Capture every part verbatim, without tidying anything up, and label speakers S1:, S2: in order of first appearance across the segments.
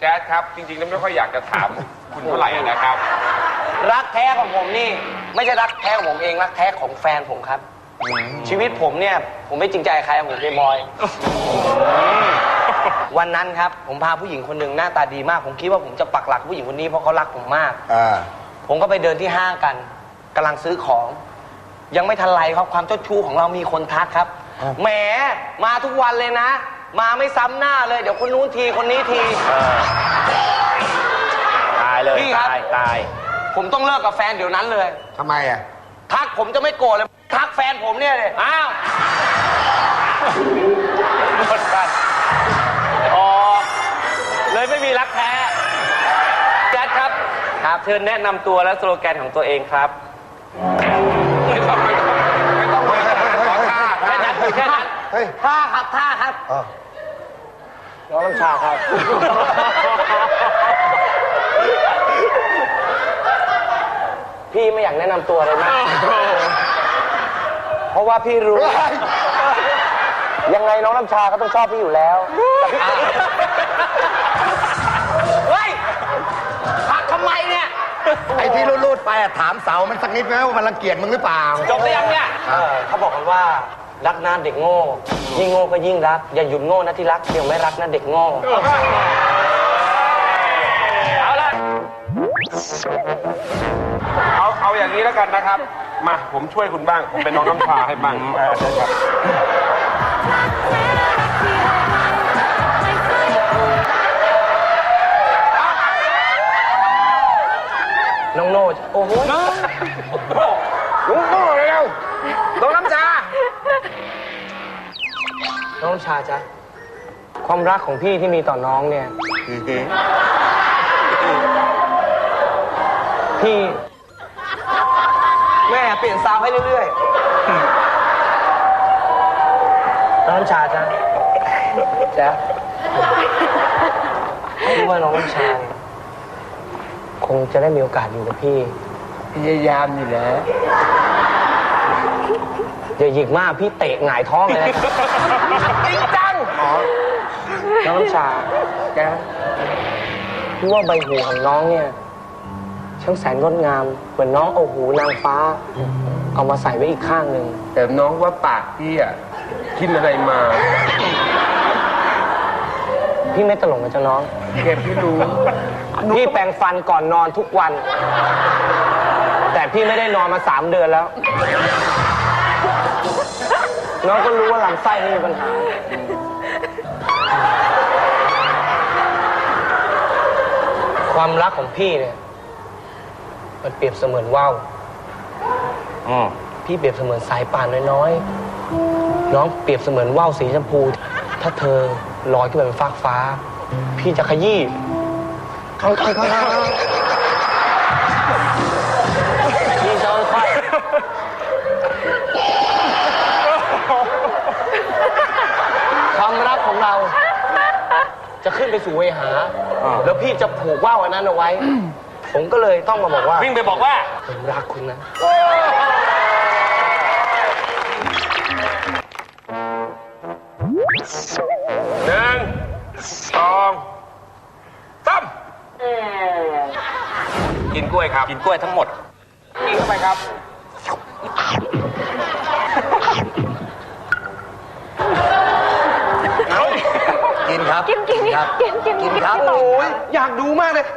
S1: จ๊สครับจริงๆแล้วไม่ค่อยอยากจะถามคุณเท่าไหร่นะครับ
S2: รักแท้ของผมนี่ไม่ใช่รักแท้ของผมเองรักแท้ของแฟนผมครับชีวิตผมเนี่ยผมไม่จริงใจใครผมเป็นบอยวันนั้นครับผมพาผู้หญิงคนหนึ่งหน้าตาดีมากผมคิดว่าผมจะปักหลักผู้หญิงคนนี้เพราะเขารักผมมากผมก็ไปเดินที่ห้างกันกำลังซื้อของยังไม่ทันไรครับความเจ้าชู้ของเรามีคนทักครับแหมมาทุกวันเลยนะมาไม่ซ้ำหน้าเลยเดี๋ยวคนนู้นทีคนนี้ที
S3: ตายเลยตายตาย
S2: ผมต้องเลิกกับแฟนเดี๋ยวนั้นเลย
S4: ทำไมอ่ะ
S2: ทักผมจะไม่โกรธเลยทักแฟนผมเนี่ยเลยอ้าว
S3: หมดกันอ๋อเลยไม่มีรักแท้แจ๊ดครับครับเชิญแนะนำตัวและสโลแกนของตัวเองครับ
S1: ไม่ต้องไม่ต้องไม่ต้องไม่ต้องขอท่า
S3: แค่นั้นแค่นั้น
S2: ท่าครับท่าครับน้องน้ำชาครับพี่ไม่อยากแนะนำตัวเลยนะเพราะว่าพี่รู้ยังไงน้องน้ำชาก็ต้องชอบพี่อยู่แล้วเฮ้ยพักทำไมเนี่ย
S4: ไอ้ที่รูดๆไปถามเสามันสักนิดไหมว่ามันรังเกียจมึงหรือเปล่า
S3: จบได้ยังเนี่ย
S2: เขาบอกกันว่ารักนะเด็กโง่ยิ่งโง่ก็ยิ่งรักอย่าหยุดโง่นะที่รักเดี๋ยวไม่รักนะเด็กโง่
S3: เอาละ
S1: เอาเอาอย่างนี้แล้วกันนะครับมาผมช่วยคุณบ้างผมเป็นน้องน้ำชาให้บ้างใช่ครับ
S2: น้องโน่โอ้โห
S1: น้องโน่เร็วน้องน้ำชา
S2: น้องน้ำชาจ๊ะความรักของพี่ที่มีต่อน้องเนี่ยพี่แม่เปลี่ยนซาวให้เรื่อยๆน้องน้ำชาจ๊ะจ๊ะพี่ว่าน้องน้ำชาคงจะได้มีโอกาสอยู่กับพี่พยายามอยู่แล้วอย่าหยิกมากพี่เตะหงายท้องเลยนะจริงจังน้องน้ำชาแกพี่ว่าใบหูของน้องเนี่ยช่างแสนงดงามเหมือนน้องเอาหูนางฟ้าเอามาใส่ไว้อีกข้างหนึ่ง
S1: แต่น้องว่าปากพี่อ่ะกินอะไรมา
S2: พี่ไม่ตลกนะจ๊ะน้อง
S1: เก็บพี่รู้
S2: พี่แปรงฟันก่อนนอนทุกวันแต่พี่ไม่ได้นอนมาสามเดือนแล้วน้องก็รู้ว่าลำไส้นี่มีปัญหาความรักของพี่เนี่ยมันเปรียบเสมือนว่าวพี่เปรียบเสมือนสายป่านน้อยๆน้องเปรียบเสมือนว่าวสีชมพูถ้าเธอลอยขึ้นไปบนฟากฟ้าพี่จะขยี้ค่อยๆค่อยๆพี่จะค่อยความรักของเราจะขึ้นไปสู่เวหาแล้วพี่จะผูกว่าวอันนั้นเอาไว้ผมก็เลยต้องมาบอกว่า
S3: วิ่งไปบอกว่า
S2: ผมรักคุณนะ
S1: หนึ่งสองสามกินกล้วยครับ
S3: กินกล้วยทั้งหมด
S1: กินเข้าไปครับ
S4: กินครับ
S5: กินกิน
S4: ครับ
S5: กินกิน
S4: กินครับ
S2: โอ้ยอยากดูมากเลย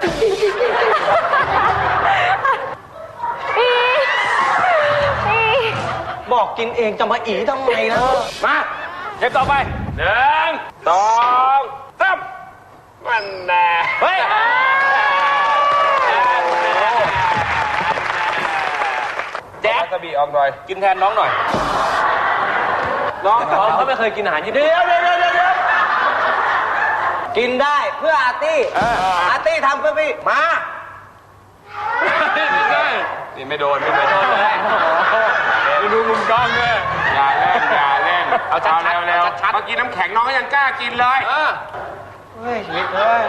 S2: บอกกินเองจะมาอีทำไมนะ
S3: มาเก็บต่อไปหนึ่ง
S1: สองสามมันแน่
S3: เฮ้ยแจ๊ค
S1: กระบี่ออกหน่อย
S3: กินแทนน้องหน่อยน้องน้องเขาไม่เคยกินอาหารญี่ปุ่น
S2: เดี๋ยวเดี๋ยวเดี๋ยวเดี๋ยวกินได้เพื่ออาร์ตี้อาร์ตี้ทำเพื่อพี่มา
S1: นี่ไม่โดนไม่โดนเลยไม่ดูมุมกล้องด้วยอย่าเล่นอย่าเล่นเอาชัดๆเร็วๆเมื่อกี้น้ำแข็งน้องก็ยังกล้ากินเลย
S2: เฮ้ยชีวิตเฮ้ย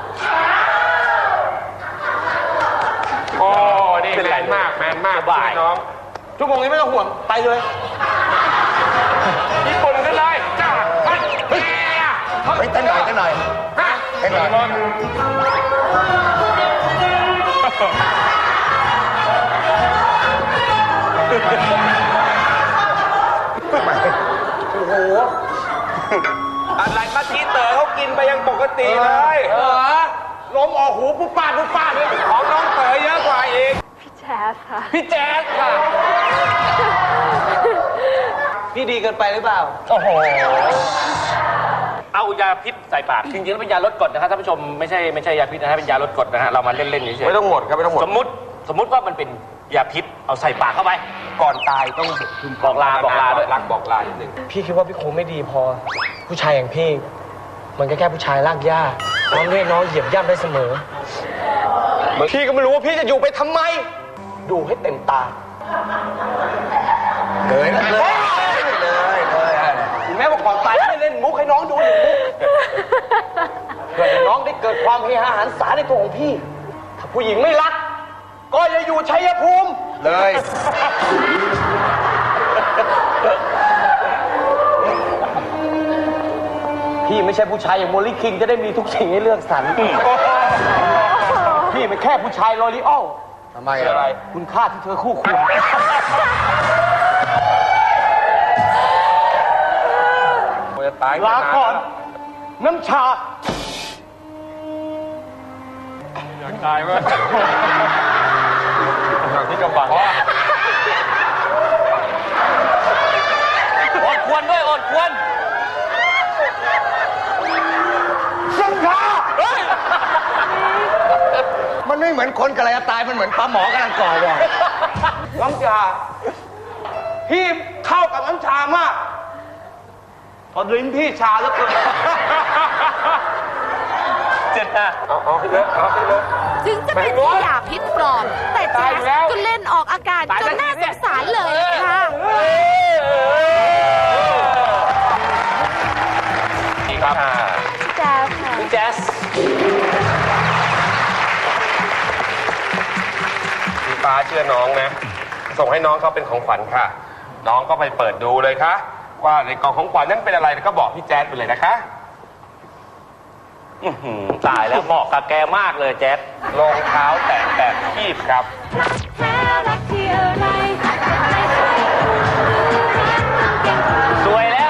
S1: โอ้นี่แมนมากแมนมากช่วยน้อง
S2: ทุกวงนี้ไม่ต้องห่วงไปเลย
S1: ญี่ปุ่นกันเลยจ้าเฮ้ย
S4: เฮ้ยเต้นหน่อยเต้นหน่อย
S1: ฮะ
S4: ให้หน่อย
S1: โอ้โหอะไรมาทีเต๋อเขากินไปยังปกติเลยเออลมออกหูปุ๊บป้าปุ๊บป้าเนี่ยของน้องเต๋อเยอะกว่าอีก
S5: พี่แจ๊สค่ะ
S1: พี่แจ๊สค่ะ
S2: พี่ดีเกินไปหรือเปล่า
S3: โอ้โห เอายาพิษใส่ปาก จริงๆแล้วเป็นยาลดกรดนะครับท่านผู้ชมไม่ใช่ไม่ใช่ยาพิษนะฮะเป็นยาลดกรดนะฮะเรามาเล่นๆเฉยๆ
S1: ไม่ต้องหมดครับไม่ต้องหมด
S3: สมมุติสมมุติว่ามันเป็นยาพิษเอาใส่ปากเข้าไป
S1: ก่อนตายต้อง
S3: บอกลาบอกลาด้วย
S1: รักบอกลานิดนึง
S2: พี่คิดว่าพี่คงไม่ดีพอ ผู้ชายอย่างพี่ มันก็แค่ผู้ชายลากหญ้าน้องเรียกน้องเหยียบย่ำได้เสมอ พี่ก็ไม่รู้ว่าพี่จะอยู่ไปทำไม ดูให้เต็มตา
S4: เลยนะเลยเลยเลย
S2: ถึงแม้ว่าก่อนตายไม่เล่นมุกให้น้องดูหนึ่งมุกเพื่อให้น้องได้เกิดความเฮฮาหันษาในตัวของพี่ ถ้าผู้หญิงไม่รัก ก็อย่าอยู่ชัยภูมิ
S4: เลย
S2: พี่ไม่ใช่ผู้ชายอย่างโมลิคิงจะได้มีทุกสิ่งให้เลือกสรร พี่เป็นแค่ผู้ชายลอรีออล
S4: ทำไมอะไร
S2: คุณค่าที่เธอคู่ควร
S1: จะตาย
S2: ลาก่อน น้ำชา
S1: อยากตายมั้ยอยากที่กำบัง
S3: อดควรด้วยอดควร
S4: น้ำชามันไม่เหมือนคนกำลังจะตายมันเหมือนปลาหมอกำลังก่อวอร์ด
S2: น้ำชา พี่เข้ากับน้ำชามาก พอลิ้นพี่ชาแล้วเกิน
S3: เจ็ดนะ
S1: เอาเอาขึ้นเลยเอาขึ้นเลย
S5: ถึงจะเป็นยาพิษปลอม แต่แจ๊สก็เล่นออกอาการจนน่าสงสารเลยค่ะ
S3: ดีครับ
S5: พี่แจ๊สค่ะ
S3: คุณแจ๊ส
S1: พี่ฟ้าเชื่อน้องนะ ส่งให้น้องเขาเป็นของขวัญค่ะ น้องก็ไปเปิดดูเลยค่ะ ว่าในกล่องของขวัญนั้นเป็นอะไรแล้วก็บอกพี่แจ๊ดไปเลยนะคะ
S3: อื้อหือตายแล้วเหมาะกับแกมากเลยแจ๊ส
S1: รองเท้าแตะแบบคีบครับ
S3: สวยแล้ว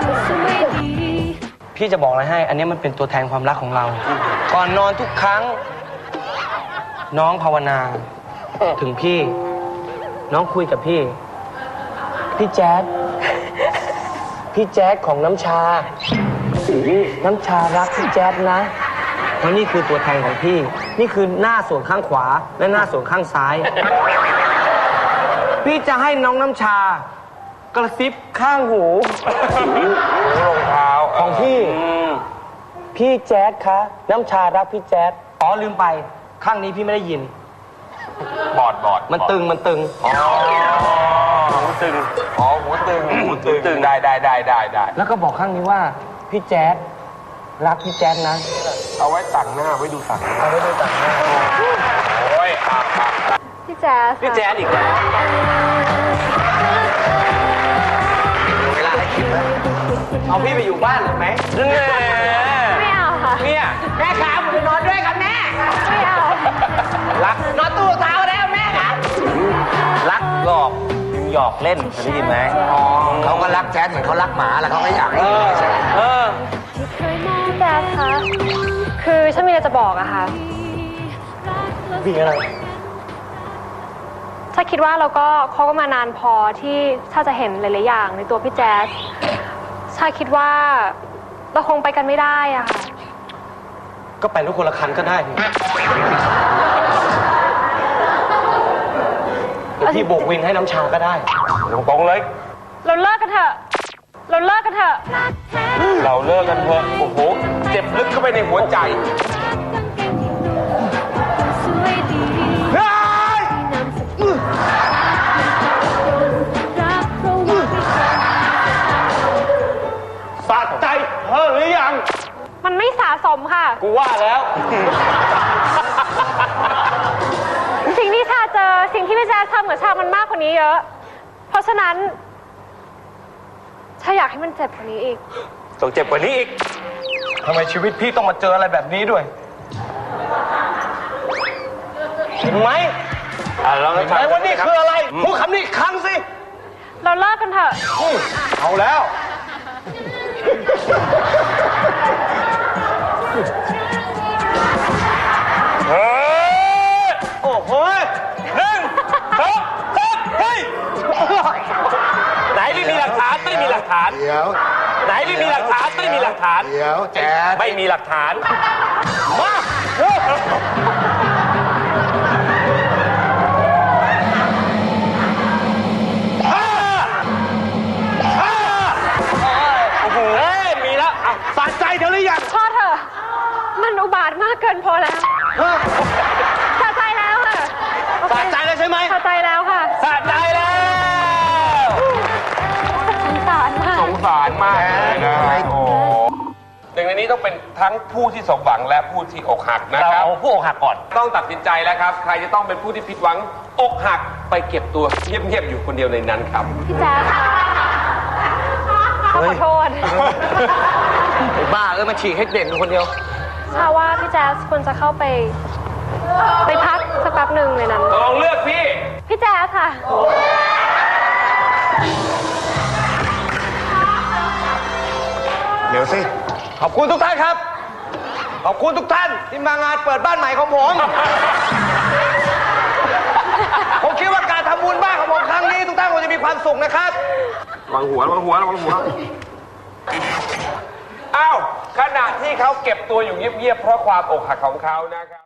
S2: พี่จะบอกอะไรให้ อันนี้มันเป็นตัวแทนความรักของเรา ก่อนนอนทุกครั้ง น้องภาวนา ถึงพี่ น้องคุยกับพี่ พี่แจ๊ดพี่แจ๊ดของน้ำชา น้ำชารักพี่แจ๊ดนะเพราะนี่คือตัวแทนของพี่ นี่คือหน้าส่วนข้างขวา และหน้าส่วนข้างซ้าย พี่จะให้น้องน้ำชา กระซิบข้างหู
S1: รองเท้า
S2: ของพี่ พี่แจ๊ดคะ น้ำชารักพี่แจ๊ดอ๋อลืมไป ข้างนี้พี่ไม่ได้ยิน
S1: บอดบอด
S2: มันตึงมันตึง
S1: อ๋อหูตึง อ๋อหูตึงหูตึงตึงได้ได้ได้ได้ได้
S2: แล้วก็บอกข้างนี้ว่า พี่แจ๊ดรักพี่แจ๊ดนะ
S1: เอาไว้ต่างหน้าไว้ดูต่างหน้า
S2: เอาไว้ดูต่างหน้า
S1: โอ้ยอ่ะอ่ะ
S5: พี่แจ๊ส
S3: พี่แจ๊สอีกแล้ว
S4: เวลาให้คิดนะ
S2: เอาพี่ไปอยู่บ้านหรือไหม
S3: แน่
S5: ไม่เอาค่ะ
S3: เนี่ย
S2: แม่ขาผมไปนอนด้วยกันแม่
S5: ไม่เอา
S3: รัก
S2: นอนตู้เท้าแล้วแม่ครับ
S3: รักหลอกหยอกเล่นเคยได้ยินไหม
S4: อ๋อเขาก็รักแจ๊ดเหมือนเขารักหมาแล้วเขาก็อยากให้อยู่ใช่ไหม
S3: เออ
S5: พี่แจ๊สคะ คือฉันมีอะไรจะบอกอะค่ะ
S2: พี่อะไร
S5: ถ้าคิดว่าเราก็คบกันมานานพอที่ถ้าจะเห็นหลายๆอย่างในตัวพี่แจ๊สชาคิดว่าเราคงไปกันไม่ได้อะค่ะ
S2: ก็ไปรถคนละคันก็ได้นี่เดี๋ยวพี่โบกวินให้น้ำชาก็ได้
S1: ตรงตรงๆเลย
S5: เราเลิกกันเถอะ เราเลิกกันเถอะ
S1: เราเลิกกันเถอะโอ้โห เจ็บลึกเข้าไปในหัวใจ
S2: สะใจเธอหรือยัง
S5: มันไม่สะสมค่ะ
S2: กูว่าแล้ว
S5: สิ่งที่ชาเจอ สิ่งที่พี่แจ๊สทำกับชามันมากกว่านี้เยอะ เพราะฉะนั้นชาอยากให้มันเจ็บกว่านี้อีก
S3: ต้องเจ็บกว่านี้อีก
S2: ทำไมชีวิตพี่ต้องมาเจออะไรแบบนี้ด้วย เห็นไหม
S3: อ่ะลอง
S2: เห็นไหมว่านี่คืออะไร พูดคำนี้อีกครั้งสิ
S5: เราเลิกกันเถอะ
S2: เอาแล้ว
S3: เฮ้ย
S2: โอ้โห
S3: หนึ่งสองสามเฮ้ยไหนไม่มีหลักฐานไม่มีหลักฐาน
S4: เดี๋ยว
S3: ไหนไม่มีหลักฐานไม่มีหลักฐาน
S4: เดี๋ยวแจ๊ด
S3: ไม่มีหลักฐาน
S2: มาโอ้โห
S3: เฮ้ยมีแล้วเอา
S2: สะใจเธอหรือยัง
S5: พอเถอะ มันอุบาทมากเกินพอแล้วสะใจแล้วค่ะโอเค
S2: สะใจแล้วใช่ไหม
S5: สะใจแล้วค่ะ
S3: สะใจแล้ว
S5: สงสารมาก
S1: สงสารมากเลยนะโอ้หนึ่งในนี้ต้องเป็นทั้งผู้ที่สมหวังและผู้ที่อกหักนะ
S3: เรา
S1: ครับ
S3: เอาผู้อกหักก่อน
S1: ต้องตัดสินใจแล้วครับ ใครจะต้องเป็นผู้ที่ผิดหวังอกหักไปเก็บตัวเงียบๆอยู่คนเดียวในนั้นครับ
S5: พี่แจ๊คค่ะขอโทษ
S2: ไอ้บ้าเอ้ยมาฉีกให้เด่นคนเดียว
S5: ชาว่าพี่แจ๊สควรจะเข้าไป ไปพักสักแป๊บหนึ่งในนั้น
S1: ลองเลือกพี่
S5: พี่แจ๊สค่ะ
S4: เดี๋ยวสิ
S2: ขอบคุณทุกท่านครับ ขอบคุณทุกท่านที่มางานเปิดบ้านใหม่ของผม ผมคิดว่าการทำบุญบ้านของผมครั้งนี้ทุกท่านคงจะมีความสุขนะครับ
S1: วางหัววางหัววางหัว อ้าว ขณะที่เขาเก็บตัวอยู่เงียบๆเพราะความอกหักของเขานะครับ